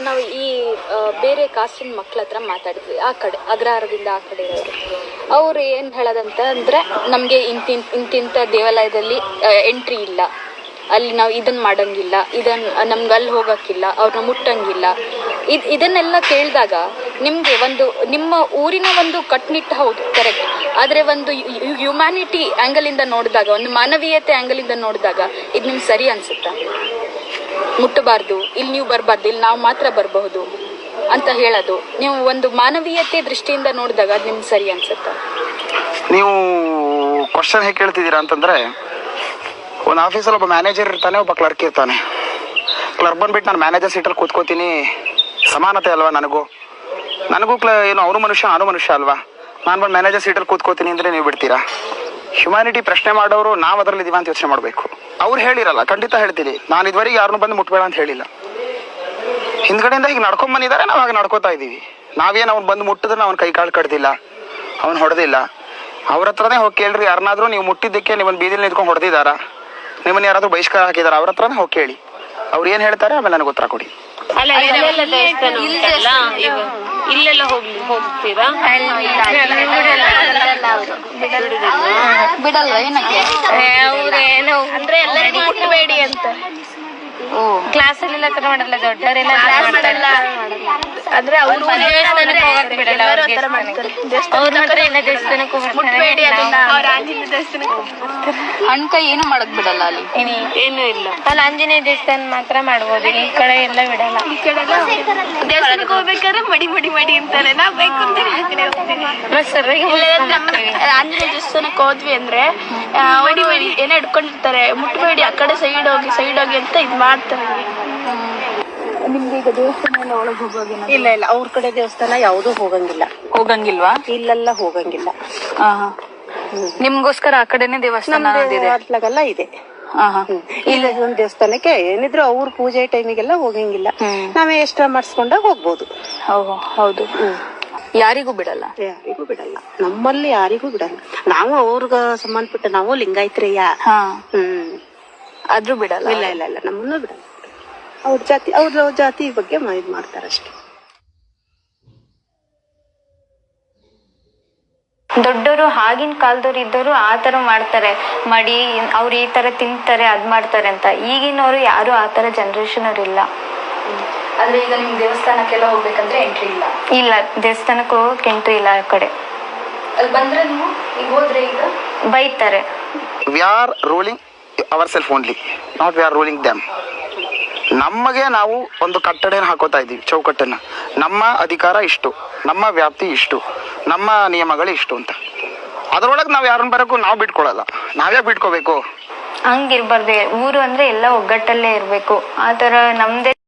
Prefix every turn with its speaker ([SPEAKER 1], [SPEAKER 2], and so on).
[SPEAKER 1] ನಾವು ಈ ಬೇರೆ ಕಾಸ್ಟಿನ ಮಕ್ಳ ಹತ್ರ ಮಾತಾಡಿದ್ವಿ, ಆ ಕಡೆ ಅಗ್ರಹಾರದಿಂದ ಆ ಕಡೆ ಇರೋರು. ಅವ್ರು ಏನು ಹೇಳೋದಂತ ಅಂದರೆ, ನಮಗೆ ಇಂತಿಂಥ ದೇವಾಲಯದಲ್ಲಿ ಎಂಟ್ರಿ ಇಲ್ಲ, ಅಲ್ಲಿ ನಾವು ಇದನ್ನು ಮಾಡೋಂಗಿಲ್ಲ, ನಮ್ಗೆ ಅಲ್ಲಿ ಹೋಗೋಕ್ಕಿಲ್ಲ, ಅವ್ರನ್ನ ಮುಟ್ಟಂಗಿಲ್ಲ. ಇದನ್ನೆಲ್ಲ ಕೇಳಿದಾಗ ನಿಮಗೆ ನಿಮ್ಮ ಊರಿನ ಒಂದು ಕಟ್ನಿಟ್ಟು ಹೌದು ಕರೆಕ್ಟ್, ಆದರೆ ಒಂದು ಹ್ಯುಮ್ಯಾನಿಟಿ ಆ್ಯಂಗಲಿಂದ ನೋಡಿದಾಗ, ಒಂದು ಮಾನವೀಯತೆ ಆ್ಯಂಗಲಿಂದ ನೋಡಿದಾಗ ಇದು ನಿಮ್ಗೆ ಸರಿ ಅನಿಸುತ್ತಾ? ಮುಟ್ಟಬಾರ್ದು, ಇಲ್ಲಿ ನೀವು ಬರಬಾರ್ದು, ಇಲ್ಲಿ ನಾವು ಮಾತ್ರ ಬರಬಹುದು ಅಂತ ಹೇಳೋದು, ನೀವು ಒಂದು ಮಾನವೀಯತೆ ದೃಷ್ಟಿಯಿಂದ ನೋಡಿದಾಗ ಅದು ನಿಮ್ಗೆ ಸರಿ ಅನ್ಸುತ್ತಾ?
[SPEAKER 2] ನೀವು ಕ್ವಶನ್ ಹೇಗೆ ಕೇಳ್ತಿದ್ದೀರಾ ಅಂತಂದರೆ, ಒಂದು ಆಫೀಸಲ್ಲಿ ಒಬ್ಬ ಮ್ಯಾನೇಜರ್ ಇರ್ತಾನೆ, ಒಬ್ಬ ಕ್ಲರ್ಕ್ ಇರ್ತಾನೆ. ಕ್ಲರ್ಕ್ ಬಂದುಬಿಟ್ಟು ನಾನು ಮ್ಯಾನೇಜರ್ ಸೀಟಲ್ಲಿ ಕೂತ್ಕೋತೀನಿ, ಸಮಾನತೆ ಅಲ್ವಾ ನನಗೂ ಏನು ಅವನು ಮನುಷ್ಯ ನಾನು ಮನುಷ್ಯ ಅಲ್ವಾ, ನಾನು ಬಂದು ಮ್ಯಾನೇಜರ್ ಸೀಟಲ್ಲಿ ಕೂತ್ಕೋತೀನಿ ಅಂದರೆ ನೀವು ಬಿಡ್ತೀರಾ? ಹ್ಯುಮ್ಯಾನಿಟಿ ಪ್ರಶ್ನೆ ಮಾಡೋರು ನಾವು ಅದರಲ್ಲಿ ಇದೀವ ಅಂತ ಯೋಚನೆ ಮಾಡಬೇಕು. ಅವ್ರು ಹೇಳಿರಲ್ಲ, ಖಂಡಿತ ಹೇಳ್ತೀನಿ, ನಾನು ಇದುವರೆಗೆ ಯಾರನ್ನೂ ಬಂದು ಮುಟ್ಬೇಡ ಅಂತ ಹೇಳಿಲ್ಲ. ಹಿಂದ್ಗಡೆಯಿಂದ ಈಗ ನಡ್ಕೊಂಡ್ ಬಂದಿದ್ದಾರೆ, ನಾವು ಹಾಗೆ ನಡ್ಕೋತಾ ಇದ್ದೀವಿ. ನಾವೇನು ಅವ್ನು ಬಂದು ಮುಟ್ಟಿದ್ರೆ ಅವ್ನ ಕೈ ಕಾಳು ಕಡ್ದಿಲ್ಲ, ಅವ್ನು ಹೊಡೆದಿಲ್ಲ. ಅವ್ರ ಹತ್ರನೇ ಹೋಗಿ ಕೇಳ್ರಿ, ಯಾರನ್ನಾದ್ರೂ ನೀವು ಮುಟ್ಟಿದ್ದಕ್ಕೆ ನಿಮ್ಮನ್ನು ಬೀದಿಲಿ ನಿಂತ್ಕೊಂಡು ಹೊಡೆದಿದ್ದಾರಾ, ನಿಮ್ಮನ್ನು ಯಾರಾದ್ರೂ ಬಹಿಷ್ಕಾರ ಹಾಕಿದಾರ, ಅವ್ರ ಹತ್ರನೇ ಹೋಗಿ ಕೇಳಿ. ಅವ್ರು ಏನು ಹೇಳ್ತಾರೆ ಆಮೇಲೆ ನನಗೆ ಉತ್ತರ ಕೊಡಿ.
[SPEAKER 3] ಇಲ್ಲೆಲ್ಲ ಹೋಗ್ತೀರಾ?
[SPEAKER 1] ಬಿಡಲ್ವಾ? ಏನಕ್ಕೆ?
[SPEAKER 3] ಅವ್ರೇನು ಅಂದ್ರೆ ಎಲ್ಲರಿಗೂ ಮುಟ್ಟಬೇಡಿ ಅಂತ ಕ್ಲಾಸಲ್ಲೆಲ್ಲ ತರ ಮಾಡಲ್ಲ, ದೊಡ್ಡವರೆಲ್ಲ ಅಂದ್ರೆ ಅವರು ದೇವಸ್ಥಾನಕ್ಕೆ ಹೋಗಕ್ ಬಿಡಲ್ಲ, ಅವ್ರ ಮಾತ್ರ ಎಲ್ಲ ದೇವಸ್ಥಾನಕ್ಕೆ ಹೋಗ್ಬಿಡ್ತಾರೆ,
[SPEAKER 1] ಹಣ್ಕಾಯಿ ಏನು ಮಾಡಕ್ ಬಿಡಲ್ಲ ಅಲ್ಲಿ,
[SPEAKER 3] ಏನು ಇಲ್ಲ. ಅಲ್ಲಿ ಆಂಜನೇಯ ದೇವಸ್ಥಾನ ಮಾತ್ರ ಮಾಡ್ಬೋದು, ಈ ಕಡೆ ಎಲ್ಲ ಬಿಡಲ್ಲ. ಈ ಕಡೆ ದೇವಸ್ಥಾನಕ್ಕೆ ಹೋಗ್ಬೇಕಾದ್ರೆ ಮಡಿ ಅಂತಾರೆ, ನಾವ್ ಬೇಕು ಅಂತ ಆಂಜನೇಯ ದೇವಸ್ಥಾನಕ್ಕೆ ಹೋದ್ವಿ ಅಂದ್ರೆ ಏನೋ ಇಟ್ಕೊಂಡಿರ್ತಾರೆ, ಮುಟ್ಬೇಡಿ, ಆ ಕಡೆ ಸೈಡ್ ಹೋಗಿ ಅಂತ ಇದ್ ಮಾಡ್ತಾರೆ.
[SPEAKER 1] ನಿಮ್ಗೆ ಈಗ ದೇವಸ್ಥಾನ ಒಳಗೆ ಹೋಗೋಗಿ?
[SPEAKER 4] ಇಲ್ಲ, ಅವ್ರ ಕಡೆ ದೇವಸ್ಥಾನ ಯಾವ್ದು
[SPEAKER 1] ಹೋಗಂಗಿಲ್ವಾ?
[SPEAKER 4] ಇಲ್ಲೆಲ್ಲ ಹೋಗಂಗಿಲ್ಲ.
[SPEAKER 1] ನಿಮ್ಗೋಸ್ಕರ ಆ ಕಡೆನೆ ದೇವಸ್ಥಾನ
[SPEAKER 4] ಅತ್ಲಾಗೆಲ್ಲ ಇದೆ. ಇಲ್ಲ ಒಂದ್ ದೇವಸ್ಥಾನಕ್ಕೆ ಏನಿದ್ರು ಅವ್ರ ಪೂಜೆ ಟೈಮಿಗೆಲ್ಲ ಹೋಗಂಗಿಲ್ಲ, ನಾವೇ ಎಕ್ಸ್ಟ್ರಾ ಮಾಡಿಸ್ಕೊಂಡಾಗ ಹೋಗ್ಬೋದು.
[SPEAKER 1] ಹೌದು. ಯಾರಿಗೂ ಬಿಡಲ್ಲ?
[SPEAKER 4] ಯಾರಿಗೂ ಬಿಡಲ್ಲ, ನಮ್ಮಲ್ಲಿ ಯಾರಿಗೂ ಬಿಡಲ್ಲ. ನಾವು ಅವ್ರಿಗ ಸಂಬಂಧಪಟ್ಟ ನಾವು ಲಿಂಗಾಯತ್ರಿಯ.
[SPEAKER 1] ಆದ್ರೂ ಬಿಡಲ್ಲ?
[SPEAKER 4] ಇಲ್ಲ, ನಮ್ಮನ್ನು ಬಿಡಲ್ಲ. ಅವ್ರ ಜಾತಿ ಬಗ್ಗೆ ಇದ್ ಮಾಡ್ತಾರಷ್ಟೇ.
[SPEAKER 5] ದೊಡ್ಡವರು ಆಗಿನ ಕಾಲದವ್ರು ಇದ್ದವರು ಆ ತರ ಮಾಡ್ತಾರೆ, ಮಡಿ ಅವ್ರು ಈ ತರ ತಿಂತಾರೆ, ಅದ್ ಮಾಡ್ತಾರೆ ಅಂತ. ಈಗಿನವರು ಯಾರು ಆ ತರ ಜನರೇಷನ್ ಅವ್ರು ಇಲ್ಲ.
[SPEAKER 1] ಆದ್ರೆ ಈಗ ನಿಮ್ ದೇವಸ್ಥಾನಕ್ಕೆಲ್ಲ ಹೋಗ್ಬೇಕಂದ್ರೆ ಎಂಟ್ರಿ ಇಲ್ಲ?
[SPEAKER 5] ದೇವಸ್ಥಾನಕ್ಕೆ ಹೋಗಕ್ ಎಂಟ್ರಿ ಇಲ್ಲ ಆ ಕಡೆ.
[SPEAKER 1] ಅಲ್ಲಿ ಬಂದ್ರೆ ನೀವು ಈಗ ಹೋದ್ರೆ ಈಗ
[SPEAKER 5] ಬೈತಾರೆ.
[SPEAKER 2] We are ruling our self only, not we are ruling them. ನಮಗೆ ನಾವು ಒಂದು ಕಟ್ಟಡನ ಹಾಕೋತಾ ಇದ್ದೀವಿ, ಚೌಕಟ್ಟನ್ನ. ನಮ್ಮ ಅಧಿಕಾರ ಇಷ್ಟು, ನಮ್ಮ ವ್ಯಾಪ್ತಿ ಇಷ್ಟು, ನಮ್ಮ ನಿಯಮಗಳು ಇಷ್ಟು ಅಂತ. ಅದರೊಳಗೆ ನಾವು ಯಾರನ್ನ ಬರೋಕ್ಕೂ ನಾವು ಬಿಟ್ಕೊಳಲ್ಲ. ನಾವ್ಯಾಕೆ ಬಿಟ್ಕೋಬೇಕು?
[SPEAKER 5] ಹಂಗಿರ್ಬಾರ್ದು. ಊರು ಅಂದ್ರೆ ಎಲ್ಲ ಒಗ್ಗಟ್ಟಲ್ಲೇ ಇರ್ಬೇಕು. ಆ ತರ ನಮ್ದೇ